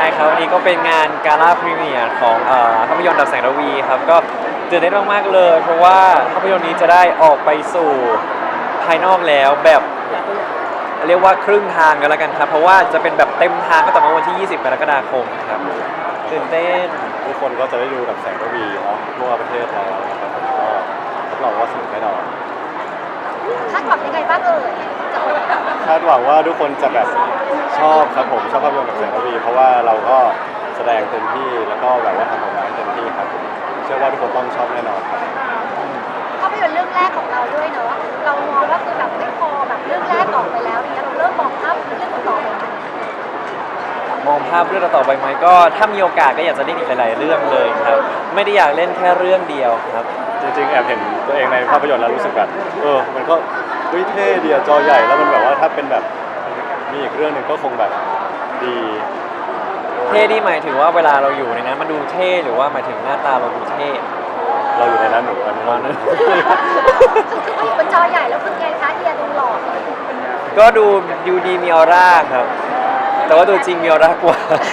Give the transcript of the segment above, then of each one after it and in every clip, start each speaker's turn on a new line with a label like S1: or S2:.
S1: ครับวันนี้ก็เป็นงานกาล่าพรีเมียร์ของภาพยนตร์ดับแสงระวีครับก็ตื่นเต้นมากๆเลยเพราะว่าภาพยนตร์นี้จะได้ออกไปสู่ภายนอกแล้วแบบเรียกว่าครึ่งทางกันแล้วกันครับเพราะว่าจะเป็นแบบเต็มทางก็ต่อมาวันที่ 20 กรกฎาคมครับตื่นเต้น
S2: ทุกคนก็จะได้ดูกับแสงระวีเนาะทั่วประเทศแล้วนะครับผมก็รับรองว่าสนุกแน่นอน
S3: คาดหวังยังไงบ้างเอ่ยจากวันนี้
S2: คาดหวังว่าทุกคนจะแบบชอบครับผมชอบภาพยนตร์กับแสงระวีเพราะว่าเราก็แสดงเต็มที่แล้วก็แบบว่าทำออกมาให้เต็มที่ครับเชื่อว่าทุกคนต้องชอบแน่นอนครับ
S3: ภาพยนตร์เรื่องแรกของเราด้วยเนอะเรามองว่าคือแบบไม่พอแบบเรื่องแรกออกไปแล้วเนี่ยเราเริ่มมองภาพเรื่องต่อไปไหม
S1: มองภาพเรื่องต่อไปไหมก็ถ้ามีโอกาสก็อยากจะเล่นอีกหลายๆเรื่องเลยครับไม่ได้อยากเล่นแค่เรื่องเดียวครับ
S2: จริงๆแอบเห็นตัวเองในภาพยนตร์แล้วรู้สึกแบบมันก็เท่ดีอะจอใหญ่แล้วมันแบบว่าถ้าเป็นแบบมีอีกเรื่องหนึ่งก็คงแบบดี
S1: เท่ที่หมายถึงว่าเวลาเราอยู่ในนั้นมันดูเท่หรือว่าหมายถึงหน้าตาเราดูเท่
S2: เราอยู่ในนั้นหนูอันนี้เรา
S3: คืออยู่บนจอใหญ่แล้วคือไงคะเฮียดูหล่อ
S1: ก็ดูดีมีออร่าครับแต่ว่าตัวจริงมีออร่ากว่า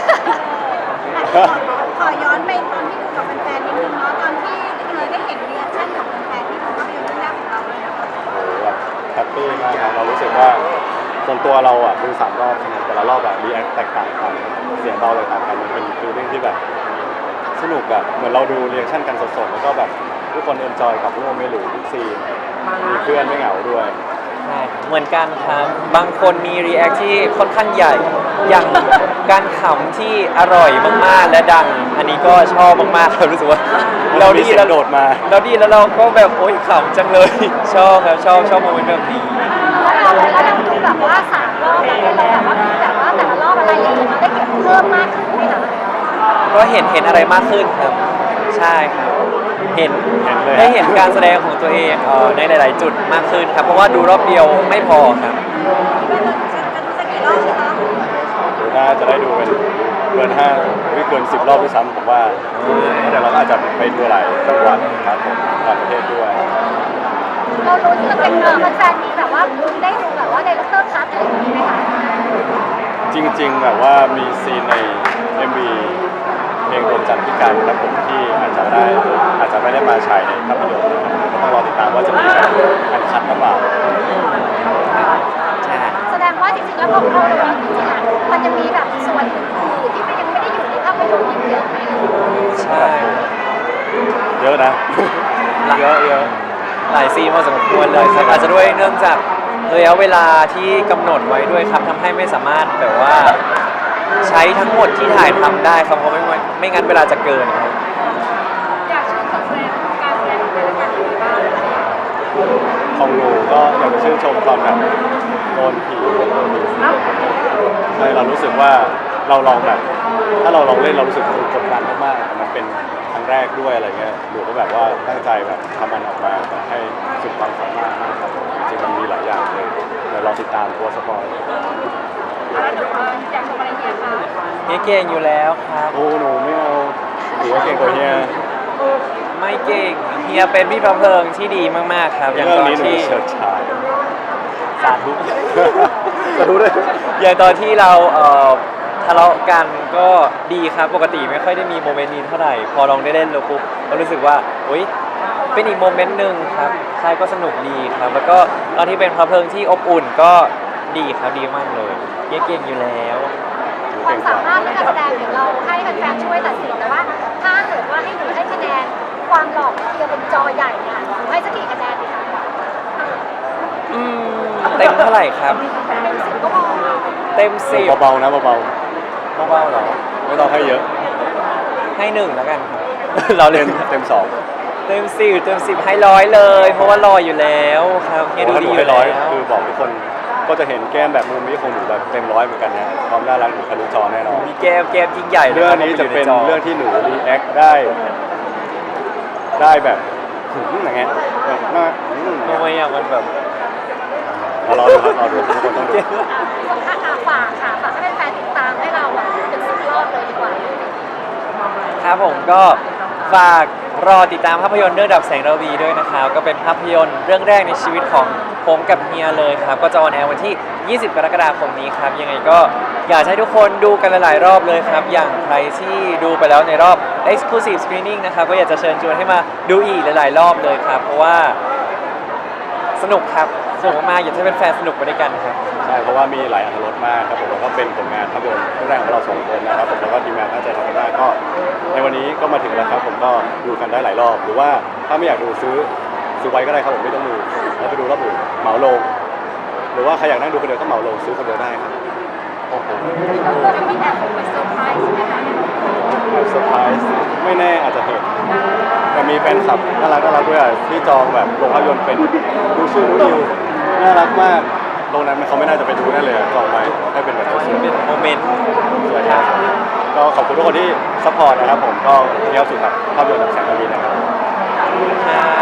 S3: ขอย้อนไปตอนที่ดูกับแฟนๆนิดนึงเนาะตอนที่เลยได้เห็นรีแอคชั่นของแฟนๆที่เขาภาพยนตร์เรื่องแรกของเราเลยนะคะ
S2: แบบแฮปปี้มากครับเรารู้สึกว่าส่วนตัวเราอ่ะดู3 รอบใช่ไหมแต่ละรอบแบบรีแอคแตกต่างกันเสียงเบาเลยต่างกันมันเป็นฟีลลิ่งที่แบบสนุกอะเหมือนเราดูรีแอคชั่นกันสดๆแล้วก็แบบทุกคนเอนจอยกับร่วมไม่หลูทุกซีนมีเพื่อนไม่เหงาด้วย
S1: ใช่เหมือนกันครับบางคนมีรีแอคที่ค่อนข้างใหญ่อย่างการขำที่อร่อยมากๆและดังอันนี้ก็ชอบมากๆครับรู้สึกว่าเราดีแล้ว
S2: โดดมา
S1: เราดีแล้วเราก็แบบโอ๊ยขำจังเลยชอบครับชอบโมเมนต์แบบนี้
S3: แล้วเราดูแบบว่า3 รอบแล้วเราแบบว่ามีแบบว่าแต่ละรอบอะไรอย่างเงี้ยเราได้เก็บเพิ่มมากขึ้นไหมคะ
S1: ก็เห็นอะไรมากขึ้นครับใช่ครับเห็น
S2: ได้
S1: เห็นการแสดงของตัวเองในหลายๆจุดมากขึ้นครับเพราะว่าดูรอบเดียวไม่พอครับ
S2: น่าจะได้ดูเป็นเกิน5ไม่เกิน10 รอบด้วยซ้ำผมว่าแต่เราอาจจะไปดูหลายจังหวัดครับผมต่างประเทศด้วย
S3: เรารู้ที่จะเป็นแฟนๆมีแบบว่าได้ดูแบบว่าในล็อกเตอร์คัทอะไรอย่างนี้ไหมคะ
S2: จริงๆแบบว่ามีซีนใน MV เพลงดวงจันทร์พิการครับผมที่อาจจะไม่ได้มาฉายในภาพยนตร์ก็ต้องรอติดตามว่าจะมีแบบการคัดหรือเปล่า
S1: ใช่
S3: แสดงว่าจริงๆแล้วพอเราดูจริงๆอ่ะมันจะมีแบบส่วนอื่นๆที่ยังไม่ได้อยู่ในภาพยนตร์อีกเยอะไหม
S1: ใช่
S2: เยอะนะเยอะ
S1: หลายซีนพอสมควรเลยครับอาจจะด้วยเนื่องจากระยะเวลาที่กำหนดไว้ด้วยครับทำให้ไม่สามารถแบบว่าใช้ทั้งหมดที่ถ่ายทำได้ครับเพราะไม่งั้นเวลาจะเกินครับ
S3: อยากชื่นชมการแสดงของแต่ละกันบ้าง
S2: ของหนูก็อยากจะชื่นชมตอนแบบโดนผีใช่เรารู้สึกว่าเราลองแบบถ้าเราลองเล่นเรารู้สึกกดดันมากๆแต่มันเป็นครั้งแรกด้วยอะไรเงี้ยหนูก็แบบว่าตั้งใจแบบทำมันออกมาแบบให้สุดความสามารถนะครับจริงๆมันมีหลายอย่างเลยเดี๋ยวเราติดตามตัวสปอย
S3: อยากชมอะไรเฮียคะ
S1: เฮียเก่งอยู่แล้วครับ
S2: โอ้หนูไม่เอาหนูว่าเก่งกว่าเฮีย
S1: ไม่เก่งเฮียเป็นพี่พระเพลิงที่ดีมากๆครับ
S2: อย่างตอนที่เฉิดฉาย
S1: สาธุ
S2: สาธุด้วย
S1: อย่างตอนที่เราทะเลาะกันก็ดีครับปกติไม่ค่อยได้มีโมเมนต์นี้เท่าไหร่พอลองได้เล่นแล้วปุ๊บก็รู้สึกว่าอุ๊ยเป็นอีกโมเมนต์หนึ่งครับใช่ก็สนุกดีครับแล้วก็ตอนที่เป็นพระเพลิงที่อบอุ่นก็ดีครับดีมากเลยเก่งอยู่แล้ว
S3: ความสามารถและการแสดงเดี๋ยวเราให้แฟนๆช่วยตัดสินแต่ว่าถ้าเกิดว่าให้หนูให้คะแนนความหล่อของเฮียบนจอใหญ่เนี่ยหนูให้สักกี่คะแนนดีคะ
S1: เต็มเท่าไหร่ครับ
S3: เต็ม 10ก็พอ
S1: เต็ม10
S2: เบาๆนะเบา
S1: ๆเหรอ
S2: ไม่ต้องให้เยอะ
S1: ให้1แล้วกันครับเราเล่น
S2: เต็ม2
S1: เต็ม10ให้100เลยเพราะว่ารออยู่แล้วครับเฮียดูดีอยู่แล้ว
S2: คือบอกทุกคนก็จะเห็นแก้มแบบมุมนี้ของหนูแบบเต็ม100เหมือนกันนะความน่ารักหนูทะลุจอแน่นอน
S1: มีแก้มยิ่งใหญ่
S2: เรื่องนี้จะเป็นเรื่องที่หนูรีแอคได้แบบอย่างเงี้ยแบบน่า
S1: ทำไมอ่ะมันแบบ
S2: รอดูครับรอดูทุกคนต้องดู
S3: ฝากให้แฟนติดตามให้เราถึง10 รอบเลยดีกว่า
S1: ครับผมก็ฝากรอติดตามภาพยนตร์เรื่องดับแสงระวีด้วยนะครับก็เป็นภาพยนตร์เรื่องแรกในชีวิตของผมกับเฮียเลยครับก็จะออนแอร์วันที่ 20 กรกฎาคมนี้ครับยังไงก็อยากให้ทุกคนดูกันหลายๆรอบเลยครับ อย่างใครที่ดูไปแล้วในรอบ Exclusive Screening นะครับก็อยากจะเชิญชวนให้มาดูอีกหลายๆรอบเลยครับ เพราะว่าสนุกครับสนุกมากๆอยากให้เป็นแฟนๆสนุกไปด้วยกันครับ
S2: ใช่เพราะว่ามีหลายอรรถรสมากครับผมแล้วก็เป็นผลงานภาพยนตร์เรื่องแรกของเราสองคนนะครับผมแล้วก็ทีมงานตั้งใจทำกันมากก็ในวันนี้ก็มาถึงแล้วครับผมก็ดูกันได้หลายรอบ หรือว่าถ้าไม่อยากดูซื้อไว้ก็ได้ครับผมไม่ต้องดูแล้วไปดูรอบอื่นเหมาลงหรือว่าใครอยากนั่งดูคนเดียวก็เหมาลงซื้อคนเดียวได้ครับโอ้โห
S3: จะมีแอบไปเซอร์ไพรส์ไหมคะ
S2: เซอร์ไพรส์ไม่แน่อาจจะเห็นแต่มีแฟนคลับน่ารักด้วยที่จองแบบโรงภาพยนตร์เป็นดูชื่อนูนิวน่ารักมากโรงนั้นเขาไม่น่าจะไปดูแน่เลยจองไว้ให้เป็นแบบสวย
S1: เป็นโมเมนต์
S2: ๆสวยครับก็ขอบคุณทุกคนที่ซัพพอร์ตนะครับผมก็เที่ยวสุดครับภาพยนตร์ดับแสงระวีนะครับ
S1: ครับ